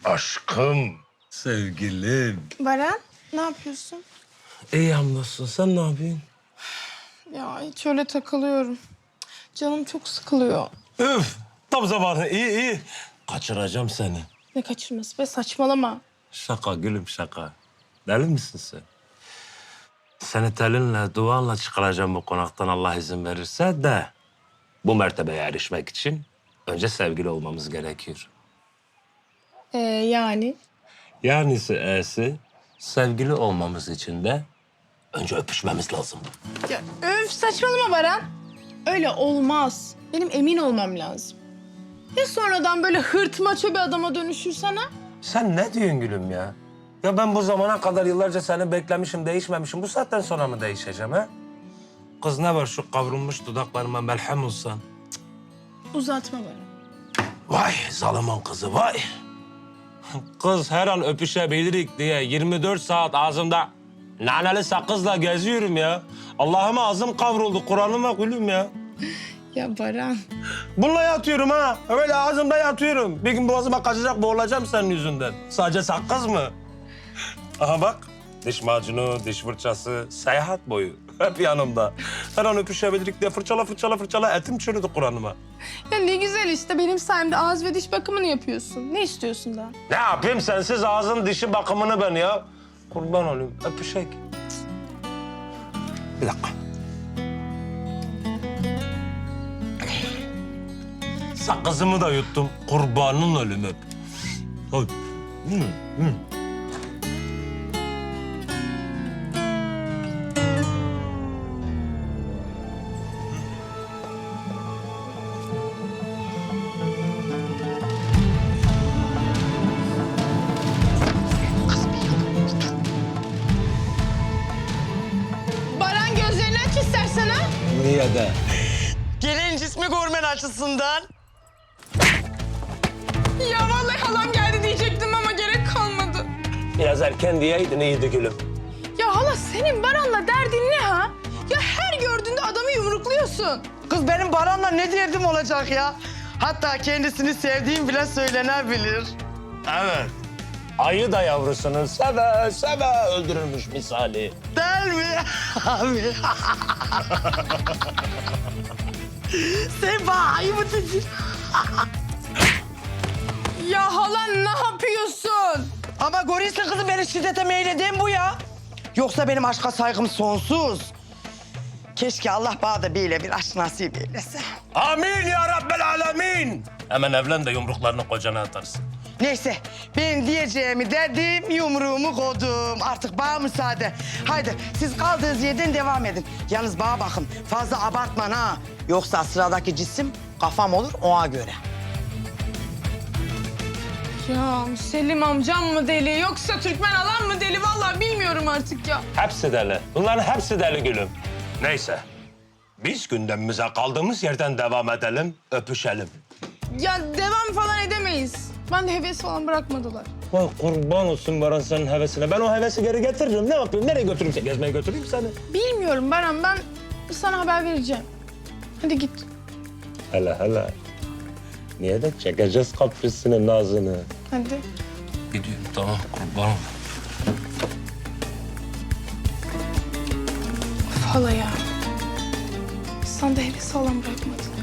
Aşkım. Sevgilim. Baran, ne yapıyorsun? İyi hamdolsun. Sen ne yapıyorsun? Ya hiç öyle takılıyorum. Canım çok sıkılıyor. Üf. Tam zamanı. İyi. Kaçıracağım seni. Ne kaçırması be, saçmalama. Şaka gülüm şaka. Deli misin sen? Seni telinle, duanla çıkaracağım bu konaktan Allah izin verirse de... ...bu mertebeye erişmek için önce sevgili olmamız gerekiyor. Yani? Yanisi e'si sevgili olmamız için de önce öpüşmemiz lazım. Ya öf, saçmalama Baran. Öyle olmaz. Benim emin olmam lazım. Ya sonradan böyle hırtmaço bir adama dönüşürsen ha? Sen ne diyorsun gülüm ya? Ya ben bu zamana kadar yıllarca seni beklemişim, değişmemişim. Bu saatten sonra mı değişeceğim ha? Kız ne var şu kavrulmuş dudaklarıma melhem olsan? Uzatma Baran. Vay zalimin kızı vay. Kız her an öpüşebilirik diye 24 saat ağzımda naneli sakızla geziyorum ya. Allah'ıma ağzım kavruldu, Kur'an'ıma gülüm ya. Ya Baran. Bununla yatıyorum ha. Öyle ağzımda yatıyorum. Bir gün boğazıma kaçacak, boğulacağım senin yüzünden. Sadece sakız mı? Aha bak. Diş macunu, diş fırçası, seyahat boyu. Hep yanımda. Her an öpüşebilirik diye fırçala etim çürüdü Kur'an'ıma. Ya ne güzel işte, benim sayemde ağız ve diş bakımını yapıyorsun. Ne istiyorsun daha? Ne yapayım sensiz ağzın dişi bakımını ben ya? Kurban olayım, öpüşek. Bir dakika. Sakızımı da yuttum. Kurbanın ölüm öp. Hadi. Baran, gözlerini aç istersen ha. Niye de? Gelin cismi görmen açısından. Ya vallahi halam geldi diyecektim ama gerek kalmadı. Biraz erken diyeydin iyiydi gülüm. Ya hala, senin Baran'la derdin ne ha? Ya her gördüğünde adamı yumrukluyorsun. Kız benim Baran'la ne derdim olacak ya? Hatta kendisini sevdiğim bile söylenebilir. Evet. Ayı da yavrusunu seve öldürürmüş misali. Değil mi abi? Sen bana ayı mı dedin? Ya hala, ne yapıyorsun? Ama görüyorsun kızım, beni şiddete meyleden bu ya. Yoksa benim aşka saygım sonsuz. Keşke Allah bana da böyle bir aşk nasip eylese. Amin ya Rabbel alemin. Hemen evlen de yumruklarını kocana atarsın. Neyse, ben diyeceğimi dedim, yumruğumu koydum. Artık bana müsaade. Haydi siz kaldığınız yerden devam edin. Yalnız bana bakın, fazla abartma ha. Yoksa sıradaki cisim kafam olur ona göre. Ya Selim amcam mı deli yoksa Türkmen alan mı deli? Vallahi bilmiyorum artık ya. Hepsi deli. Bunların hepsi deli gülüm. Neyse. Biz gündemimize kaldığımız yerden devam edelim, öpüşelim. Ya devam falan edemeyiz. Ben de heves falan bırakmadılar. Vay kurban olsun Baran senin hevesine. Ben o hevesi geri getiririm. Ne yapayım? Nereye götüreyim seni? Gezmeye götüreyim seni. Bilmiyorum Baran, ben sana haber vereceğim. Hadi git. Hele. Niye de çekeceğiz kaprisini, nazını. Hadi. Gidiyorum tamam kurban ol. Of hala ya. Sen de heves falan bırakmadın.